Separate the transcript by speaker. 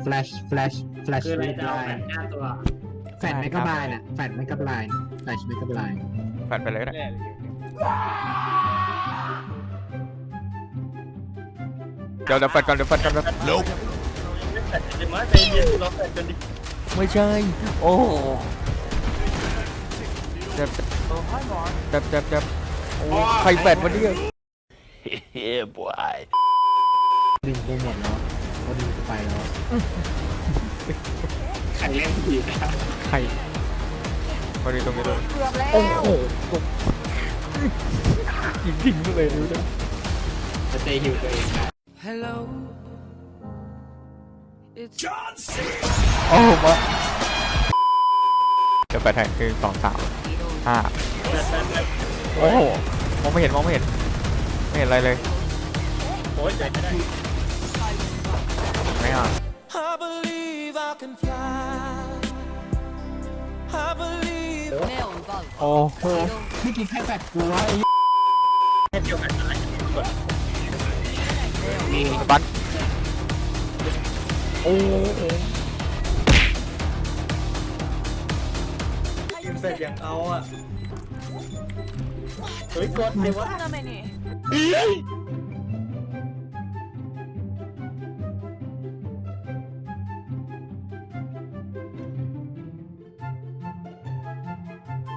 Speaker 1: flash
Speaker 2: คืออะไร
Speaker 1: red
Speaker 2: จะเอา
Speaker 1: line
Speaker 2: แบบ5 ตัว
Speaker 1: แฟดเมกะบายน่ะแฟดเมกะบายแฟลชเมกะบาย
Speaker 3: แฟดไปเลยก็ได้เดี๋ยวแฟดก่อนเดี๋ยวแฟดก่อน
Speaker 2: ไม่แฟดเลยมั้ยใจเย็นเราแฟดกันดิ
Speaker 3: ไม่ใช่โอ้เจ็บโอ้ใครแฟดมาเนี่ย
Speaker 1: ดึงไปหมดแล้วเขาดึงไปแล้ว
Speaker 2: ใครเล่นผีนะ
Speaker 3: ใครพอดีตรงนี้ด้วย
Speaker 4: เกือบแล้ว
Speaker 3: โอ้โหยิงเลยดูดิ
Speaker 2: จะเตะหิวตัวเองนะ
Speaker 3: โอ้มาเดี๋ยวแฟดให้คือ2 3 5โอ้โหมองไม่เห็นไม่เห็นอะไรเลย
Speaker 2: โอ้ยใจไม่ได้
Speaker 3: ไม่อ่ะ
Speaker 5: I believe I can fly. I believe.
Speaker 3: โอ้โห
Speaker 1: เมื่อกี้ใครแฟดกูวะ
Speaker 2: แค่เดียวกันนะกด
Speaker 3: สปันโอ้โห
Speaker 2: ยิงเสร็จอย่างเอาอ่ะเฮ้ยกดเลยวะ
Speaker 4: ทำไมนี่